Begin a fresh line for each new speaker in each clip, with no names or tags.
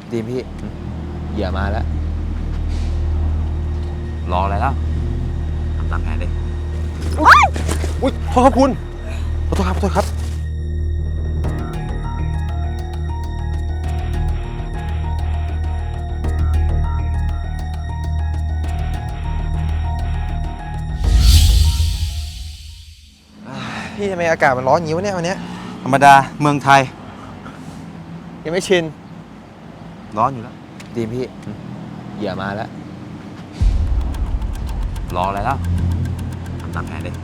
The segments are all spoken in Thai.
ดีมพี่เหยื่อมาแล้ว
รออะไรแล้วทำตามแผนเลย
อุ้ยโทษครับคุณขอโทษครับขอโทษครับพี่ทำไมอากาศมันร้อนอย่างนี้วะเนี่ยวันนี้
ธรรมดาเมืองไทย
ยังไม่ชิน
ร้อนอยู่แล้ว
ดีมพี่เหยื่อมาแล้ว
รออะไรแล้วทำตามแผนเลย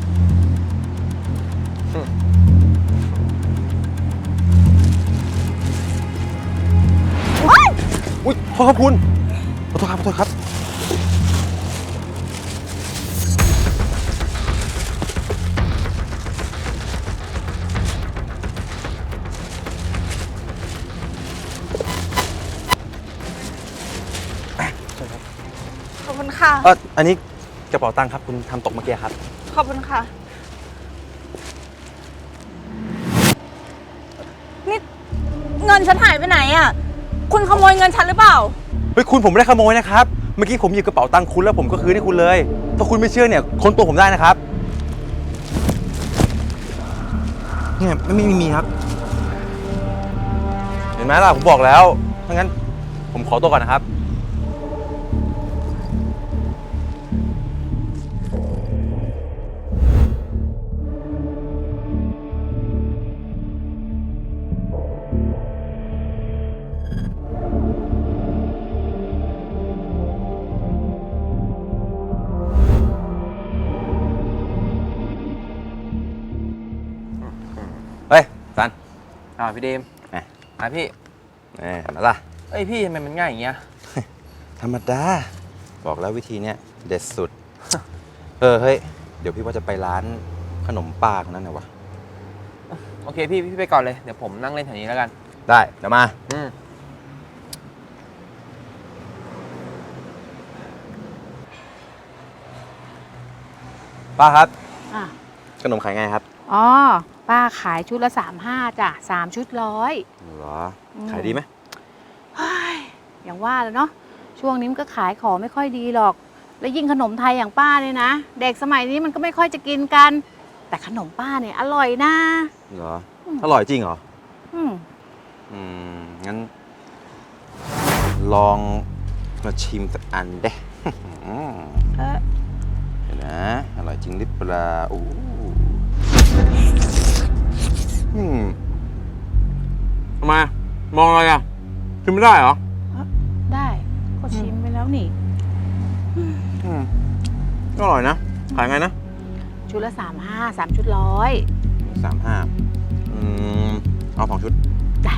อุ้ยโทษครับคุณขอโทษครับขอโทษครับ
ขอบคุณค่ะ
อันนี้กระเป๋าตังค์ครับคุณทำตกเมื่อกี้ครับ
ขอบคุณค่ะ นี่เงินฉันหายไปไหนอ่ะ คุณขโมยเงินฉันหรือเปล่า
เฮ้ยคุณผมไม่ได้ขโมยนะครับเมื่อกี้ผมหยิบกระเป๋าตังค์คุณแล้วผมก็คืนให้คุณเลยถ้าคุณไม่เชื่อเนี่ยค้นตัวผมได้นะครับเนี่ยไม่มีครับเห็นไหมล่ะผมบอกแล้วถ้างั้นผมขอตัวก่อนนะครับเฮ้ยสัน
พี่เดมพี่
เห็นไหมล่ะ
เอ้ยพี่ทำไมมันง่ายอย่างเงี้ย
ธรรมดาบอกแล้ววิธีเนี้ยเด็ดสุด เฮ้ยเดี๋ยวพี่ว่าจะไปร้านขนมป้าคนนั้นนะวะ
โอเคพี่ไปก่อนเลยเดี๋ยวผมนั่งเล่นแถวนี้แล้วกัน
ได้เดี๋ยวมาป้าครับขนมขายไงครับ
อ๋อป้าขายชุดละ35จ้ะ3 ชุด100
เหรอขายดีไหม
อย่างว่าแล้วเนาะช่วงนี้มันก็ขายของไม่ค่อยดีหรอกแล้วยิ่งขนมไทยอย่างป้าเนี่ยนะเด็กสมัยนี้มันก็ไม่ค่อยจะกินกันแต่ขนมป้าเนี่ยอร่อยนะ
เหรออร่อยจริงเหรองั้นลองมาชิมสักอันเด้เห็นนะอร่อยจริงหรือเปล่าทำไมมองอะไรอ่ะชิมไม่ได้เหรอ
ได้ก็ชิมไปแล้วนี่
อร่อยนะขายไงนะ
ชุดละ35 3 ชุด100
35เอา2 ชุด
ได้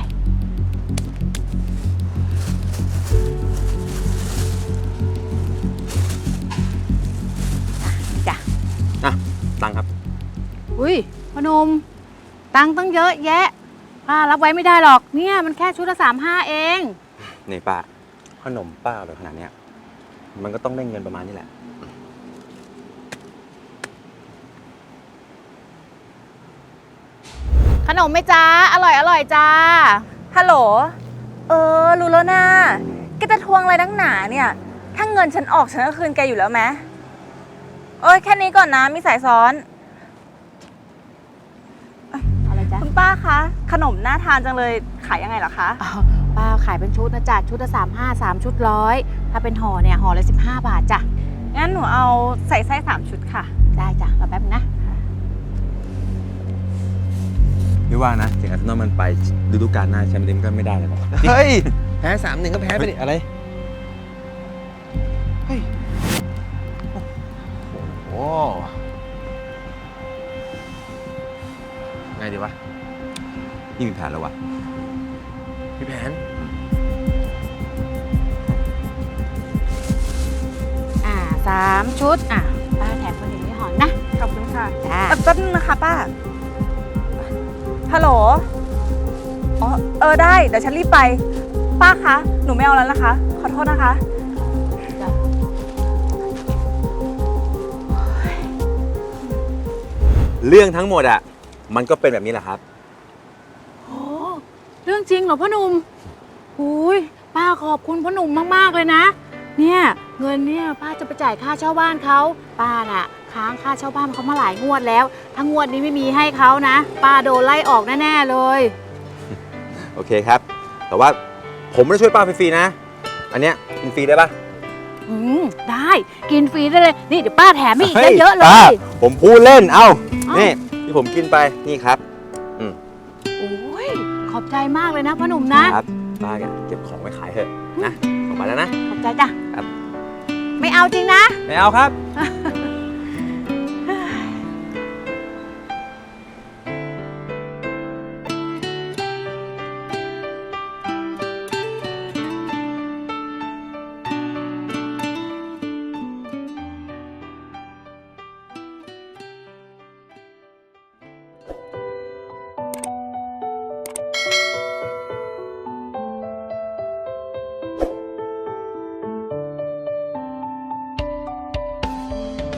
จ้ะ
ตังค์ครับ
อุ้ยพนมตังค์ตั้งเยอะแยะป้ารับไว้ไม่ได้หรอกเนี่ยมันแค่ชุดละ35เอง
นี่ป้าขนมป้าเลยขนาดเนี้ยมันก็ต้องได้เงินประมาณนี้แหละ
ขนมไหมจ้าอร่อยจ้า
ฮัลโหลรู้แล้วนะแกจะทวงอะไรนักหนาเนี่ยถ้าเงินฉันออกฉันก็คืนแกอยู่แล้วไหมแค่นี้ก่อนนะมีสายซ้อน
อะไรจ๊ะ
คุณป้าคะขนมน่าทานจังเลยขายยังไงเหรอคะ
ป้าขายเป็นชุดนะจ๊ะชุดละ35 3 ชุด100ถ้าเป็นห่อเนี่ยห่อละ15 บาทจ้ะ
งั้นหนูเอาใส่ไส้3 ชุดค่ะ
ได้จ้ะรอแป๊บนะ
ไม่ว่านะถึงอาร์เซนอลมันไปฤดูกาลหน้าแชมป์เปี้ยนก็ไม่ได้เลย
เฮ้ยแพ้3-1ก็แพ้ไปดิอะไรเฮ้ยโอ้ไงดีวะ
นี่มีแผนแล้ววะ
มีแผน
3 ชุดป้าแถมคนอื่นไม่ห่อนะ
ขอบคุณค่ะ
จ้า
แป๊บนึงนะคะป้าฮัลโหลได้เดี๋ยวฉันรีบไปป้าคะหนูไม่เอาแล้วนะคะขอโทษนะคะ
เรื่องทั้งหมดอ่ะมันก็เป็นแบบนี้แหละครับ
เรื่องจริงเหรอพ่อหนุ่มอุ้ยป้าขอบคุณพ่อหนุ่มมากๆเลยนะ เนี่ยเงินเนี่ยป้าจะไปจ่ายค่าเช่าบ้านเขาป้าน่ะค้างค่าเช่าบ้านเขามาหลายงวดแล้วถ้างวดนี้ไม่มีให้เขานะป้าโดนไล่ออกแน่ๆเลย
โอเคครับ แต่ว่าผมไม่ได้ช่วยป้าฟรีๆนะ อันเนี้ยกินฟรีได้ปะ
ได้กินฟรีได้เลยนี่เดี๋ยวป้าแถมให้อีก
ฮ้
เยอะๆเล
ป้าย ผมพูดเล่น เอ้า
เอ้านี่
นี่ที่ผมกินไป นี่ครับ
โอ้ยขอบใจมากเลยนะพ่อหนุ่มนะครับ
ป้าแกเก็บของไว้ขายเถอะนะออกไปแล้วนะ
ขอบใจจ้ะ
ครับ
ไม่เอาจริงนะ
ไม่เอาครับ
โ